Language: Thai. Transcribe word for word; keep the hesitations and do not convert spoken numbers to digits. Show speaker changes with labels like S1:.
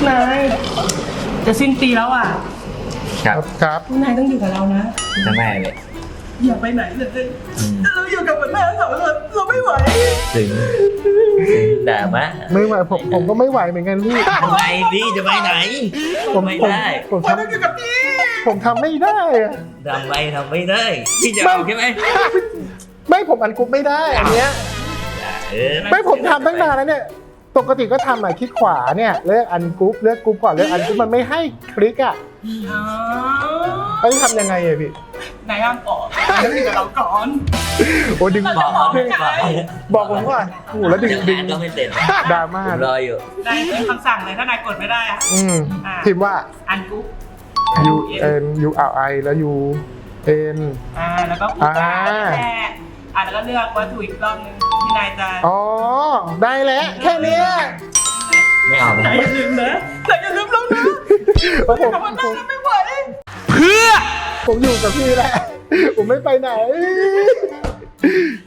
S1: นายจะสิ้นปีแล้วอ่ะ
S2: ครับ
S3: ครับ
S1: นายต้องอยู่กับเรานะ
S2: จะแม่เลย
S1: อย่าไปไหนเลยเราอยู่กับแม่สองคนเราไม่ไหว
S2: ถึงด่ามะ
S3: ไม่ไหวผมผมก็ไม่ไหวเหมือนกันพี่
S2: ทำไมพี่จะไปไหน
S3: ผม
S2: ไม่
S3: ผม
S2: ได้
S3: ผม
S1: เรา
S3: ท
S1: ต้องอยู่กับพี่
S3: ำผมทำไม่ได้อะ
S2: ทำไมทำไม่ได้พี่จะเอาใช่ไหม
S3: ไม่ผมอันกรุ๊ปไม่ได้อันเนี้ย
S2: เออ
S3: ไม่ผมทำตั้งนานแล้วเนี่ยปกติก็ทำอ่ะคลิกขวาเนี่ยเลือกอันกรุ๊ปเลือกกรุ๊ปก่อนเลือกอันกรุ๊ปมันไม่ให้คลิกอ่ะ
S1: อ๋อ
S3: แล้วทำยังไงอะพี่
S1: นายห้ามออกต้องอยู่กับเราก่อน
S3: โอ้ดึง
S2: บบ อ
S3: อก ก
S2: ไม่บอก
S3: บอกผมก่อนโอ้โหแล้วดึง
S2: ยัง
S3: ดึง
S2: งานก็ไม่เสร็จ
S3: ดราม่า
S2: ผมรออยู่
S1: นายเป็นคำสั่งเลยถ้านายกดไม่ได้อะ
S3: อืมพิมพ์ว่า
S1: อันกุ๊ก
S3: U N U R I แล้ว U N
S1: อ่าแล้วก็กู
S3: อ่า
S1: แค่อ่าแล้วก็เลือกวัตถุอีกรอบนึงที่นายจะ
S3: อ๋อได้แล้วแค่เนี้ย
S2: ไม่เอา
S1: นายอย่าลืมนะนายอย่าลืมเรานะ
S3: เพราะผม
S1: คำว่า
S3: ผ
S1: นั่ง
S3: ม
S1: แล้วไม่ไหว
S3: ผมอยู่กับพี่แหละ ผมไม่ไปไหน